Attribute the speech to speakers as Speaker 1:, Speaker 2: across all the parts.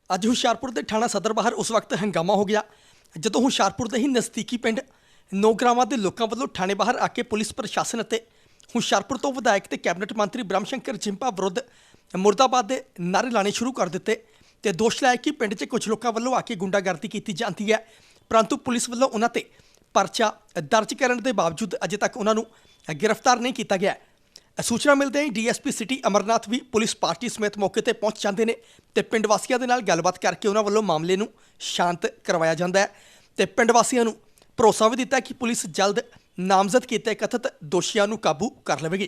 Speaker 1: ਅੱਜ ਹੁਸ਼ਿਆਰਪੁਰ ਦੇ ਥਾਣਾ ਸਦਰ ਬਾਹਰ ਉਸ ਵਕਤ ਹੰਗਾਮਾ ਹੋ ਗਿਆ ਜਦੋਂ ਹੁਸ਼ਿਆਰਪੁਰ ਦੇ ਹੀ ਨਜ਼ਦੀਕੀ ਪਿੰਡ ਨੌਗਰਾਵਾਂ ਦੇ ਲੋਕਾਂ ਵੱਲੋਂ ਥਾਣੇ ਬਾਹਰ ਆ ਕੇ ਪੁਲਿਸ ਪ੍ਰਸ਼ਾਸਨ ਅਤੇ ਹੁਸ਼ਿਆਰਪੁਰ ਤੋਂ ਵਿਧਾਇਕ ਤੇ ਕੈਬਨਿਟ ਮੰਤਰੀ ਬ੍ਰਹਮ ਸ਼ੰਕਰ ਜਿੰਪਾ ਵਿਰੁੱਧ ਮੁਰਦਾਬਾਦ ਦੇ ਨਾਅਰੇ ਲਾਣੇ ਸ਼ੁਰੂ ਕਰ ਦਿੱਤੇ ਤੇ ਦੋਸ਼ ਲਾਇਆ ਕਿ ਪਿੰਡ 'ਚ ਕੁਝ ਲੋਕਾਂ ਵੱਲੋਂ ਆ ਕੇ ਗੁੰਡਾਗਰਦੀ ਕੀਤੀ ਜਾਂਦੀ ਹੈ, ਪਰੰਤੂ ਪੁਲਿਸ ਵੱਲੋਂ ਉਹਨਾਂ ਤੇ ਪਰਚਾ ਦਰਜ ਕਰਨ ਦੇ ਬਾਵਜੂਦ ਅਜੇ ਤੱਕ ਉਹਨਾਂ ਨੂੰ ਗ੍ਰਿਫਤਾਰ ਨਹੀਂ ਕੀਤਾ ਗਿਆ। सूचना मिलते ही DSP सिटी अमरनाथ भी पुलिस पार्टी समेत मौके पर पहुँच जाते हैं तो पिंड वासियों के नाल गलबात करके उन्होंने वालों मामले नूं शांत करवाया जाता है तो पिंड वासियों नूं भरोसा भी दिता कि पुलिस जल्द नामजद किए कथित दोषियों नूं काबू कर लवेगी।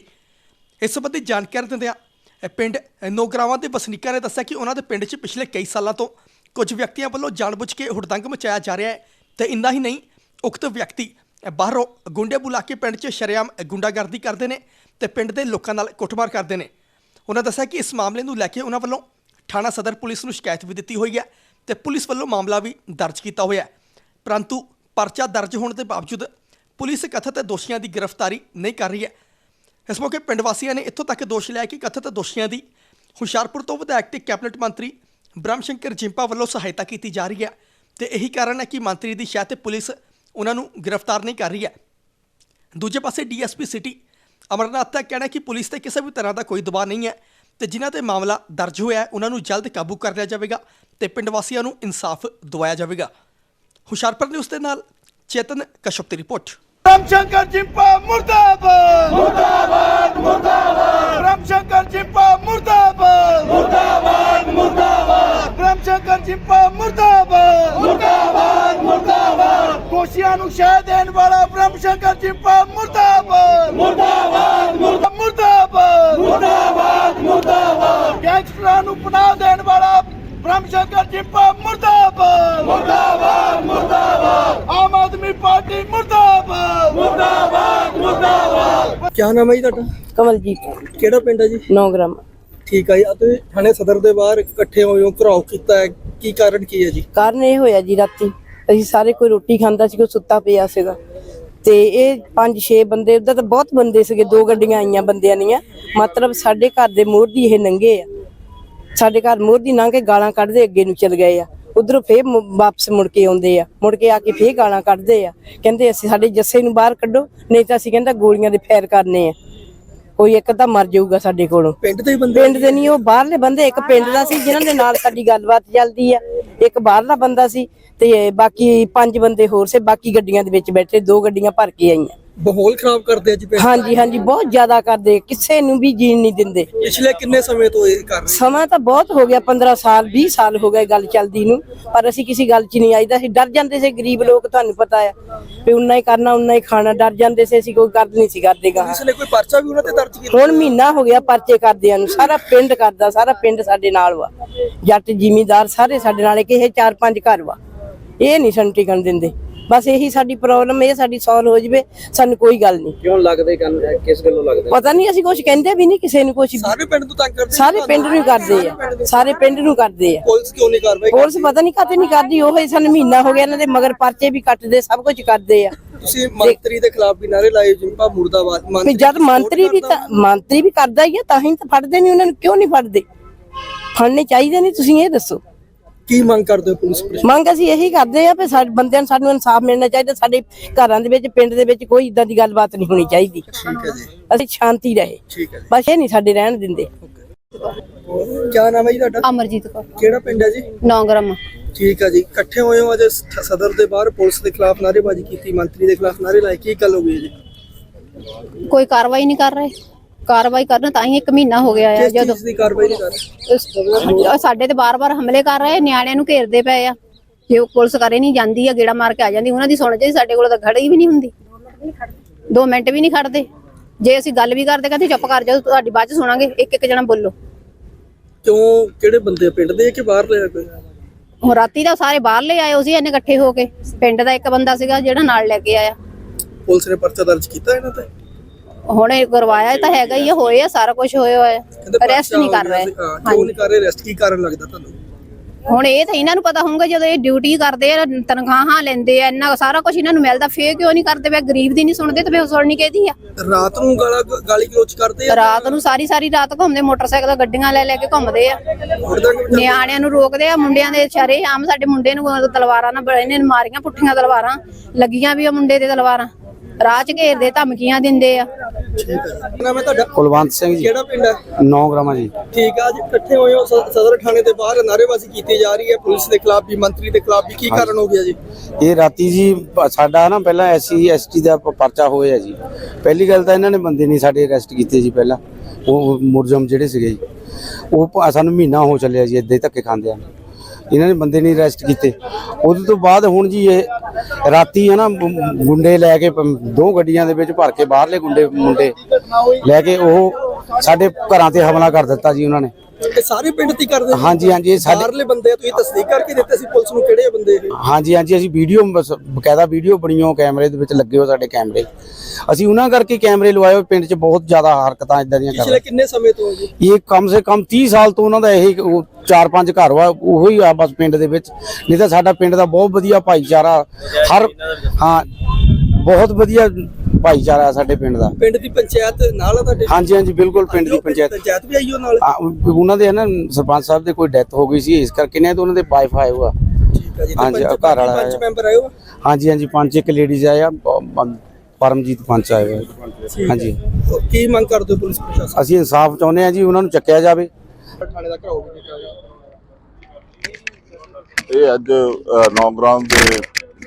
Speaker 1: इस संबंधी जानकारी दिंदिआं पिंड नौगरावां के वसनीकां ने दस्सिया कि उन्होंने पिंड च पिछले कई सालों तो कुछ व्यक्तियों वालों जानबुझ के हुड़दंग मचाया जा रहा है तो इन्ना ही नहीं उक्त व्यक्ति बाहरों गुंडे बुला के पिंड च शरेआम गुंडागर्दी करते हैं तो पिंड के लोगों नाल कुटमार करते हैं। उन्होंने दस्सिया कि इस मामले को लैके उन्होंने वालों थाना सदर पुलिस को शिकायत भी दी हुई है तो पुलिस वालों मामला भी दर्ज किया हुआ है, परंतु परचा दर्ज होने के बावजूद पुलिस कथित दोषियों की गिरफ्तारी नहीं कर रही है। इस मौके पिंड वासियों ने इत्थों तक दोष लिया कि कथित दोषियों की हुशियारपुर तो विधायक ते कैबिनेट मंत्री ब्रह्म शंकर जिंपा वालों सहायता की जा रही है तो यही कारण है कि मंत्री की शायद पुलिस उन्होंने गिरफ्तार नहीं कर रही है। दूजे पासे DSP सिटी अमरनाथ का कहना है कि पुलिस से किसी भी तरह का कोई दबाव नहीं है तो जिन्हों पर मामला दर्ज होया है उन्होंने जल्द काबू कर लिया जाएगा तो पिंड वासियों को इंसाफ दवाया जाएगा। हुशियारपुर न्यूज़ के नाल चेतन कश्यप की रिपोर्ट।
Speaker 2: ब्रह्म शंकर जिंपा मुर्दाबाद मुर्दाबाद मुर्दाबाद ब्रह्म शंकर जिंपा मुर्दाबाद मुर्दाबाद मुर्दाबाद ब्रह्म शंकर जिंपा मुर्दाबाद मुर्दाबाद मुर्दाबाद दोषियों को शह देने वाला ब्रह्म शंकर जिंपा मुर्दाबाद मुर्दाबाद मुर्दाबाद मुर्दाबाद मुर्दाबाद गैंगस्टरां को पनाह देने वाला ब्रह्म शंकर जिंपा मुर्दाबाद मुर्दाबाद मुर्दाबाद आम आदमी पार्टी मुर्दाबाद मुर्दाबाद मुर्दाबाद।
Speaker 1: क्या नाम है जी तुहाडा?
Speaker 3: कमलजीत
Speaker 1: किहड़ा पिंड है जी?
Speaker 3: 9 ग्राम।
Speaker 1: ठीक है जी, तुसीं थाने सदर के बाहर इकट्ठे होए हो, घराव कीता है, की कारण की है जी?
Speaker 3: कारण ਇਹ ਹੋਇਆ ਜੀ ਰਾਤੀ ਅਸੀਂ ਸਾਰੇ ਕੋਈ ਰੋਟੀ ਖਾਂਦਾ ਸੀ, ਕੋਈ ਸੁੱਤਾ ਪਿਆ ਸੀਗਾ ਤੇ ਇਹ 5-6 ਬੰਦੇ ਉਧਰ ਤਾਂ ਬਹੁਤ ਬੰਦੇ ਸੀਗੇ, 2 ਗੱਡੀਆਂ ਆਈਆਂ ਬੰਦਿਆਂ ਦੀਆਂ, ਮਤਲਬ ਸਾਡੇ ਘਰ ਦੇ ਮੋਹਰ ਦੀ ਇਹ ਨੰਗੇ ਆ, ਸਾਡੇ ਘਰ ਮੋਹਰ ਦੀ ਲੰਘ ਕੇ ਗਾਲਾਂ ਕੱਢਦੇ ਅੱਗੇ ਨੂੰ ਚਲ ਗਏ ਆ, ਉਧਰੋਂ ਫੇਰ ਵਾਪਸ ਮੁੜ ਕੇ ਆਉਂਦੇ ਆ, ਮੁੜ ਕੇ ਆ ਕੇ ਫੇਰ ਗਾਲਾਂ ਕੱਢਦੇ ਆ, ਕਹਿੰਦੇ ਅਸੀਂ ਸਾਡੇ ਜੱਸੇ ਨੂੰ ਬਾਹਰ ਕੱਢੋ ਨਹੀਂ ਤਾਂ ਅਸੀਂ ਕਹਿੰਦਾ ਗੋਲੀਆਂ ਦੇ ਫੈਰ ਕਰਨੇ ਆ, ਕੋਈ ਇੱਕ ਤਾਂ ਮਰ ਜਾਊਗਾ ਸਾਡੇ ਕੋਲੋਂ।
Speaker 1: ਪਿੰਡ ਦੇ ਬੰਦੇ?
Speaker 3: ਪਿੰਡ ਦੇ ਨਹੀਂ, ਉਹ ਬਾਹਰਲੇ ਬੰਦੇ, ਇੱਕ ਪਿੰਡ ਦਾ ਸੀ ਜਿਨ੍ਹਾਂ ਦੇ ਨਾਲ ਸਾਡੀ ਗੱਲਬਾਤ ਚੱਲਦੀ ਆ, ਇੱਕ ਬਾਹਰਲਾ ਬੰਦਾ ਸੀ ਤੇ ਬਾਕੀ 5 ਬੰਦੇ ਹੋਰ ਸੀ, ਬਾਕੀ ਗੱਡੀਆਂ ਦੇ ਵਿੱਚ ਬੈਠੇ, 2 ਗੱਡੀਆਂ ਭਰ ਕੇ ਆਈਆਂ।
Speaker 1: ਮਾਹੌਲ ਖਰਾਬ ਕਰਦੇ ਆ ਜੀ ਪਿੰਡ?
Speaker 3: ਹਾਂਜੀ ਹਾਂਜੀ, ਬਹੁਤ ਜ਼ਿਆਦਾ ਕਰਦੇ, ਕਿਸੇ ਨੂੰ ਵੀ ਜੀਣ ਨਹੀਂ ਦਿੰਦੇ।
Speaker 1: ਪਿਛਲੇ ਕਿੰਨੇ ਸਮੇਂ ਤੋਂ ਇਹ ਕਰ ਰਹੇ?
Speaker 3: ਸਮਾਂ ਤਾਂ ਬਹੁਤ ਹੋ ਗਿਆ, 15 ਸਾਲ 20 ਸਾਲ ਹੋ ਗਏ ਗੱਲ ਚੱਲਦੀ ਨੂੰ, ਪਰ ਅਸੀਂ ਕਿਸੇ ਗੱਲ 'ਚ ਨਹੀਂ ਆਈਦਾ, ਅਸੀਂ ਡਰ ਜਾਂਦੇ ਸੀ, ਗਰੀਬ ਲੋਕ ਤੁਹਾਨੂੰ ਪਤਾ ਆ ਵੀ ਉਨਾ ਹੀ ਕਰਨਾ ਉਨਾ ਹੀ ਖਾਣਾ, ਡਰ ਜਾਂਦੇ ਸੀ, ਅਸੀਂ ਕੋਈ ਗੱਲ ਨਹੀਂ ਸੀ ਕਰਦੇ ਗਾ।
Speaker 1: ਪੁਲਿਸ ਨੇ ਕੋਈ ਪਰਚਾ ਵੀ ਉਹਨਾਂ ਤੇ ਦਰਜ ਕੀਤਾ?
Speaker 3: ਹੁਣ ਮਹੀਨਾ ਹੋ ਗਿਆ ਪਰਚੇ ਕਰਦਿਆਂ ਨੂੰ, ਸਾਰਾ ਪਿੰਡ ਕਰਦਾ, ਸਾਰਾ ਪਿੰਡ ਸਾਡੇ ਨਾਲ ਵਾ, ਜੱਟ ਜ਼ਿਮੀਂਦਾਰ ਸਾਰੇ ਸਾਡੇ ਨਾਲ, ਕਿ ਇਹ 4-5 ਘਰ ਵਾ, ਇਹ ਨਹੀਂ ਸਾਨੂੰ ਟਿਕਣ ਦਿੰਦੇ। ਬਸ ਇਹੀ ਸਾਡੀ ਪ੍ਰੋਬਲਮ, ਇਹ ਸਾਡੀ ਸੋਲਵ ਹੋ ਜਵੇ, ਸਾਨੂੰ ਕੋਈ ਗੱਲ ਨਹੀਂ।
Speaker 1: ਕਿਉਂ ਲੱਗਦੇ ਕਿਸ ਗੱਲੋਂ ਲੱਗਦੇ?
Speaker 3: ਪਤਾ ਨਹੀਂ, ਅਸੀਂ ਕੁਝ ਕਹਿੰਦੇ ਵੀ ਨਹੀਂ ਕਿਸੇ ਨੂੰ, ਕੁਝ
Speaker 1: ਸਾਰੇ ਪਿੰਡ ਨੂੰ ਤੰਗ ਕਰਦੇ?
Speaker 3: ਸਾਰੇ ਪਿੰਡ ਨੂੰ ਕਰਦੇ ਆ, ਸਾਰੇ ਪਿੰਡ ਨੂੰ ਕਰਦੇ ਆ।
Speaker 1: ਪੁਲਿਸ ਕਿਉਂ ਨਹੀਂ ਕਾਰਵਾਈ?
Speaker 3: ਪੁਲਿਸ ਪਤਾ ਨਹੀਂ ਕਾਤੇ ਨਹੀਂ ਕਰਦੀ, ਉਹ ਹੀ ਸਾਨੂੰ ਮਹੀਨਾ ਹੋ ਗਿਆ ਇਹਨਾਂ ਦੇ ਮਗਰ ਪਰਚੇ ਵੀ ਕੱਟਦੇ, ਸਭ ਕੁਝ ਕਰਦੇ ਆ।
Speaker 1: ਤੁਸੀਂ ਮੰਤਰੀ ਦੇ ਖਿਲਾਫ ਵੀ ਨਾਰੇ ਲਾਏ, ਜਿੰਪਾ ਮੁਰਦਾਬਾਦ।
Speaker 3: ਜਦ ਮੰਤਰੀ ਵੀ ਕਰਦਾ ਹੀ ਆ, ਤਾਂ ਹੀ ਤਾਂ ਫੜਦੇ ਨਹੀਂ, ਉਹਨਾਂ ਨੂੰ ਕਿਉਂ ਨਹੀਂ ਫੜਦੇ? ਫੜਨੇ ਚਾਹੀਦੇ ਨਹੀਂ, ਤੁਸੀਂ ਇਹ ਦੱਸੋ
Speaker 1: ਕੀ ਮੰਗ ਕਰਦੇ ਹੋ ਪੁਲਿਸ ਪ੍ਰਸ਼ਾਸਨ?
Speaker 3: ਮੰਗ ਅਸੀਂ ਇਹੀ ਕਰਦੇ ਆ ਵੀ ਸਾਡੇ ਬੰਦਿਆਂ ਨੂੰ, ਸਾਨੂੰ ਇਨਸਾਫ ਮਿਲਣਾ ਚਾਹੀਦਾ, ਸਾਡੇ ਘਰਾਂ ਦੇ ਵਿੱਚ, ਪਿੰਡ ਦੇ ਵਿੱਚ ਕੋਈ ਇਦਾਂ ਦੀ ਗੱਲਬਾਤ ਨਹੀਂ ਹੋਣੀ ਚਾਹੀਦੀ।
Speaker 1: ਠੀਕ ਹੈ ਜੀ,
Speaker 3: ਅਸੀਂ ਸ਼ਾਂਤੀ ਰਹੇ,
Speaker 1: ਠੀਕ ਹੈ।
Speaker 3: ਬਸ ਇਹ ਨਹੀਂ ਸਾਡੇ ਰਹਿਣ ਦਿੰਦੇ।
Speaker 1: ਕੀ ਨਾਮ ਹੈ ਜੀ ਤੁਹਾਡਾ?
Speaker 4: ਅਮਰਜੀਤ ਕੌਰ।
Speaker 1: ਕਿਹੜਾ ਪਿੰਡ ਹੈ ਜੀ?
Speaker 4: 9 ਗ੍ਰਾਮ।
Speaker 1: ਠੀਕ ਹੈ ਜੀ, ਇਕੱਠੇ ਹੋਏ ਹੋ ਅੱਜ ਸਦਰ ਦੇ ਬਾਹਰ, ਪੁਲਿਸ ਦੇ ਖਿਲਾਫ ਨਾਅਰੇਬਾਜ਼ੀ ਕੀਤੀ, ਮੰਤਰੀ ਦੇ ਖਿਲਾਫ ਨਾਅਰੇ ਲਾਏ, ਕੀ ਗੱਲ ਹੋ ਗਈ ਜੀ?
Speaker 4: ਕੋਈ ਕਾਰਵਾਈ ਨਹੀਂ ਕਰ ਰਹੇ, ਕਾਰਵਾਈ ਕਰਨ ਤਾਂ ਹੀ 1 ਮਹੀਨਾ ਹੋ ਗਿਆ ਹੈ। ਜਦੋਂ
Speaker 1: ਕਿਸ ਦੀ ਕਾਰਵਾਈ ਨਹੀਂ ਕਰ ਰਹੇ?
Speaker 4: ਸਾਡੇ ਤੇ ਬਾਰ-ਬਾਰ ਹਮਲੇ ਕਰ ਰਹੇ, ਨਿਆਣਿਆਂ ਨੂੰ ਘੇਰਦੇ ਪਏ ਆ, ਜੇ ਪੁਲਿਸ ਕਰੇ ਨਹੀਂ ਜਾਂਦੀ ਆ, ਗੇੜਾ ਮਾਰ ਕੇ ਆ ਜਾਂਦੀ, ਉਹਨਾਂ ਦੀ ਸੁਣ ਜੇ, ਸਾਡੇ ਕੋਲ ਤਾਂ ਖੜੀ ਵੀ ਨਹੀਂ ਹੁੰਦੀ, 2 ਮਿੰਟ ਵੀ ਨਹੀਂ ਖੜਦੇ। ਜੇ ਅਸੀਂ ਗੱਲ ਵੀ ਕਰਦੇ ਕਹਿੰਦੇ ਚੁੱਪ ਕਰ ਜਾਓ, ਤੁਹਾਡੀ ਬਾਅਦ ਚ ਸੁਣਾਂਗੇ, ਇੱਕ ਜਣਾ ਬੋਲੋ।
Speaker 1: ਕਿਉਂ, ਕਿਹੜੇ ਬੰਦੇ ਪਿੰਡ ਦੇ ਕਿ ਬਾਹਰ ਲਿਆ ਕੋਈ?
Speaker 4: ਹੁਣ ਰਾਤੀ ਦਾ ਸਾਰੇ ਬਾਹਰਲੇ ਆਏ ਸੀ, ਇਹਨੇ ਇਕੱਠੇ ਹੋ ਕੇ, ਪਿੰਡ ਦਾ ਇੱਕ ਬੰਦਾ ਸੀਗਾ ਜਿਹੜਾ ਨਾਲ ਲੈ ਕੇ ਆਇਆ।
Speaker 1: ਪੁਲਿਸ ਨੇ ਪਰਚਾ ਦਰਜ ਕੀਤਾ ਇਹਨਾਂ ਤੇ?
Speaker 4: ਹੁਣ ਇਹ ਕਰਵਾਇਆ ਤਾਂ ਹੈਗਾ ਹੀ, ਹੋਏ ਆ, ਸਾਰਾ ਕੁਝ ਹੋਇਆ ਹੋਇਆ, ਅਰੈਸਟ ਨਹੀਂ ਕਰ ਰਹੇ।
Speaker 1: ਕਿਉਂ ਨਹੀਂ ਕਰ ਰਹੇ ਅਰੈਸਟ? ਕੀ ਕਾਰਨ ਲੱਗਦਾ ਤੁਹਾਨੂੰ?
Speaker 4: ਹੁਣ ਇਹ ਤਾਂ ਇਹਨਾਂ ਨੂੰ ਪਤਾ ਹੋਊਗਾ ਜਦੋਂ ਇਹ ਡਿਊਟੀ ਕਰਦੇ ਆ, ਤਨਖਾਹਾਂ ਲੈਂਦੇ ਆ, ਇੰਨਾ ਸਾਰਾ ਕੁਝ ਇਹਨਾਂ ਨੂੰ ਮਿਲਦਾ, ਫੇਰ ਕਿਉਂ ਨਹੀਂ ਕਰਦੇ ਪਏ? ਗਰੀਬ ਦੀ ਨਹੀਂ ਸੁਣਦੇ ਤੇ ਫੇਰ ਸੁਣਨੀ ਕਿਹਦੀ ਆ?
Speaker 1: ਰਾਤ ਨੂੰ ਗਾਲੀ ਗਲੋਚ ਕਰਦੇ
Speaker 4: ਰਾਤ ਨੂੰ ਸਾਰੀ ਰਾਤ ਘੁੰਮਦੇ, ਮੋਟਰਸਾਈਕਲ ਗੱਡੀਆਂ ਲੈ ਕੇ ਘੁੰਮਦੇ ਆ, ਨਿਆਣਿਆਂ ਨੂੰ ਰੋਕਦੇ ਆ, ਮੁੰਡਿਆਂ ਦੇ ਸ਼ਰੇ ਆਮ ਸਾਡੇ ਮੁੰਡੇ ਨੂੰ ਤਲਵਾਰਾਂ ਨਾਲ ਇਹਨੇ ਮਾਰੀਆਂ, ਪੁੱਠੀਆਂ ਤਲਵਾਰਾਂ ਲੱਗੀਆਂ ਵੀ ਆ ਮੁੰਡੇ ਦੇ ਤਲਵਾਰਾਂ, ਰਾਹ ਚ ਘੇਰਦੇ, ਧਮਕੀਆਂ ਦਿੰਦੇ ਆ।
Speaker 1: ਨਾਮ ਹੈ ਤੁਹਾਡਾ?
Speaker 5: ਕੁਲਵੰਤ ਸਿੰਘ ਜੀ,
Speaker 1: ਕਿਹੜਾ ਪਿੰਡ ਹੈ?
Speaker 5: 9 ਗ੍ਰਾਮਾਂ ਜੀ।
Speaker 1: ਠੀਕ ਆ, ਅੱਜ ਇਕੱਠੇ ਹੋਏ ਹੋ ਸਦਰ ਥਾਣੇ ਦੇ ਬਾਹਰ, ਨਾਅਰੇਬਾਜ਼ੀ ਕੀਤੀ ਜਾ ਰਹੀ ਹੈ ਪੁਲਿਸ ਦੇ ਖਿਲਾਫ ਵੀ, ਮੰਤਰੀ ਦੇ ਖਿਲਾਫ ਵੀ, ਕੀ ਕਾਰਨ ਹੋ ਗਿਆ ਜੀ?
Speaker 5: ਇਹ ਰਾਤੀ ਜੀ ਸਾਡਾ ਨਾ ਪਹਿਲਾਂ SC ST ਦਾ ਪਰਚਾ ਹੋਇਆ ਜੀ। ਪਹਿਲੀ ਗੱਲ ਤਾਂ ਇਹਨਾਂ ਨੇ ਬੰਦੇ ਨਹੀਂ ਸਾਡੇ ਅਰੈਸਟ ਕੀਤੇ ਜੀ, ਪਹਿਲਾਂ ਉਹ ਮੁਰਜਮ ਜਿਹੜੇ ਸੀਗੇ ਜੀ, ਉਹ ਸਾਨੂੰ ਮਹੀਨਾ ਹੋ ਚੱਲਿਆ ਜੀ ਇੱਦਾਂ ਹੀ ਧੱਕੇ ਖਾਂਦੇ ਆ, ਇਹਨਾਂ ਨੇ ਬੰਦੇ ਨਹੀਂ ਅਰੈਸਟ ਕੀਤੇ। ਉਹਦੇ ਤੋਂ ਬਾਅਦ ਹੁਣ ਜੀ ਇਹ ਰਾਤੀ ਹੈ ਨਾ ਗੁੰਡੇ ਲੈ ਕੇ 2 ਗੱਡੀਆਂ ਦੇ ਵਿੱਚ ਭਰ ਕੇ ਬਾਹਰਲੇ ਮੁੰਡੇ ਲੈ ਕੇ ਉਹ ਸਾਡੇ ਘਰਾਂ ਤੇ ਹਮਲਾ ਕਰ ਦਿੱਤਾ ਜੀ ਉਹਨਾਂ ਨੇ।
Speaker 1: ਇਹ ਸਾਰੇ ਪਿੰਡ ਦੀ ਕਰਦੇ?
Speaker 5: ਹਾਂਜੀ ਇਹ ਸਾਡੇ
Speaker 1: ਬਾਹਰਲੇ ਬੰਦੇ ਆ, ਤੁਸੀਂ ਤਸਦੀਕ ਕਰਕੇ ਦਿੱਤੇ ਸੀ ਪੁਲਿਸ ਨੂੰ ਕਿਹੜੇ ਬੰਦੇ ਇਹ?
Speaker 5: ਹਾਂਜੀ ਅਸੀਂ ਵੀਡੀਓ ਬਕਾਇਦਾ ਵੀਡੀਓ ਬਣੀਓ, ਕੈਮਰੇ ਦੇ ਵਿੱਚ ਲੱਗੇ ਹੋ ਸਾਡੇ ਕੈਮਰੇ, ਅਸੀਂ ਉਹਨਾਂ ਕਰਕੇ ਕੈਮਰੇ ਲਵਾਏ। ਪਿੰਡ 'ਚ ਬਹੁਤ ਜ਼ਿਆਦਾ ਹਰਕਤਾਂ ਇਦਾਂ ਦੀਆਂ
Speaker 1: ਪਿਛਲੇ ਕਿੰਨੇ ਸਮੇਂ ਤੋਂ ਜੀ?
Speaker 5: ਇਹ ਕਮ ਸੇ ਕਮ 30 ਸਾਲ ਤੋਂ ਉਹਨਾਂ ਦਾ ਇਹ 4-5 ਘਰ ਵਾ, ਉਹੀ ਆ ਬਸ ਪਿੰਡ ਦੇ ਵਿੱਚ। ਨਹੀਂ ਤਾਂ ਸਾਡਾ ਪਿੰਡ ਦਾ ਬਹੁਤ ਵਧੀਆ ਭਾਈਚਾਰਾ, ਬਹੁਤ ਵਧੀਆ ਭਾਈਚਾਰਾ ਸਾਡੇ ਪਿੰਡ ਦਾ।
Speaker 1: ਪਿੰਡ ਦੀ ਪੰਚਾਇਤ ਨਾਲ ਆ ਤੁਹਾਡੇ?
Speaker 5: ਹਾਂਜੀ ਬਿਲਕੁਲ, ਪਿੰਡ ਦੀ ਪੰਚਾਇਤ
Speaker 1: ਵੀ ਆਈ ਉਹ ਨਾਲ?
Speaker 5: ਉਹਨਾਂ ਦੇ ਨਾ ਸਰਪੰਚ ਸਾਹਿਬ ਦੇ ਕੋਈ ਡੈਥ ਹੋ ਗਈ ਸੀ, ਇਸ ਕਰਕੇ ਨੇ ਉਹਨਾਂ ਦੇ ਵਾਈਫ ਆਏ ਹੋਆ।
Speaker 1: ਠੀਕ ਹੈ ਜੀ।
Speaker 5: ਹਾਂਜੀ ਘਰ ਵਾਲਾ
Speaker 1: ਪੰਚ ਮੈਂਬਰ ਆਏ ਹੋ?
Speaker 5: ਹਾਂਜੀ 5 ਇੱਕ ਲੇਡੀਜ਼ ਆਏ ਆ, ਪਰਮਜੀਤ ਪੰਚ ਆਏ ਹੋਏ। ਹਾਂਜੀ
Speaker 1: ਕੀ ਮੰਗ ਕਰਦੇ ਹੋ ਪੁਲਿਸ ਪ੍ਰਸ਼ਾਸਨ?
Speaker 5: ਅਸੀਂ ਇਨਸਾਫ ਚਾਹੁੰਦੇ ਆ ਜੀ, ਉਹਨਾਂ ਨੂੰ ਚੱਕਿਆ ਜਾਵੇ।
Speaker 1: ਥਾਣੇ ਦਾ ਘਰਾਓ ਵੀ ਕੀਤਾ ਜਾਵੇ।
Speaker 6: ਇਹ ਅੱਜ 9 ਗ੍ਰਾਮ ਦੇ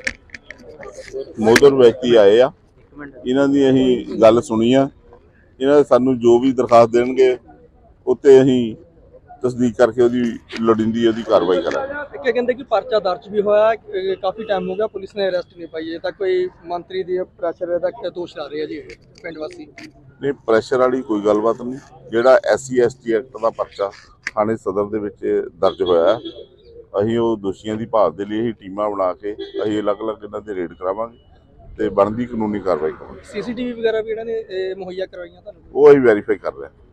Speaker 6: ਮੋਦਰ ਵਿਅਕਤੀ ਆਏ ਆ, ਇਹਨਾਂ ਦੀ ਅਸੀਂ ਗੱਲ ਸੁਣੀ ਆ। ਇਹਨਾਂ ਸਾਨੂੰ ਜੋ ਵੀ ਦਰਖਾਸਤ ਦੇਣਗੇ ਉੱਤੇ ਅਸੀਂ ਤਸਦੀਕ ਕਰਕੇ ਉਹਦੀ ਲੋੜੀਂਦੀ ਉਹਦੀ ਕਾਰਵਾਈ ਕਰਾਂਗੇ।
Speaker 1: ਕੀ ਕਹਿੰਦੇ ਕਿ ਪਰਚਾ ਦਰਜ ਵੀ ਹੋਇਆ, ਕਾਫੀ ਟਾਈਮ ਹੋ ਗਿਆ ਪੁਲਿਸ ਨੇ ਅਰੈਸਟ ਨਹੀਂ ਪਾਈ, ਅਜੇ ਤੱਕ ਕੋਈ ਮੰਤਰੀ ਦੀ ਪ੍ਰੈਸ਼ਰ ਦਾ ਦੋਸ਼ ਲਾ ਰਹੇ ਆ ਜੀ ਪਿੰਡ ਵਾਸੀ।
Speaker 6: ਨਹੀਂ, ਪ੍ਰੈਸ਼ਰ ਵਾਲੀ ਕੋਈ ਗੱਲਬਾਤ ਨਹੀਂ। ਜਿਹੜਾ SC ST ਐਕਟ ਦਾ ਪਰਚਾ ਥਾਣੇ ਸਦਰ ਦੇ ਵਿੱਚ ਦਰਜ ਹੋਇਆ, ਅਸੀਂ ਉਹ ਦੋਸ਼ੀਆਂ ਦੀ ਭਾਲ ਦੇ ਲਈ ਅਸੀਂ ਟੀਮਾਂ ਬਣਾ ਕੇ ਅਸੀਂ ਅਲੱਗ-ਅਲੱਗ ਇਹਨਾਂ ਦੇ ਰੇਡ ਕਰਾਵਾਂਗੇ ਤੇ ਬਣਦੀ ਕਾਨੂੰਨੀ ਕਾਰਵਾਈ ਕਰਾਂਗੇ।
Speaker 1: CCTV ਵਗੈਰਾ ਵੀ ਇਹਨਾਂ ਨੇ ਮੁਹੱਈਆ ਕਰਵਾਈਆਂ ਤੁਹਾਨੂੰ?
Speaker 6: ਉਹ ਅਸੀਂ ਵੈਰੀਫਾਈ ਕਰ ਰਹੇ ਹਾਂ।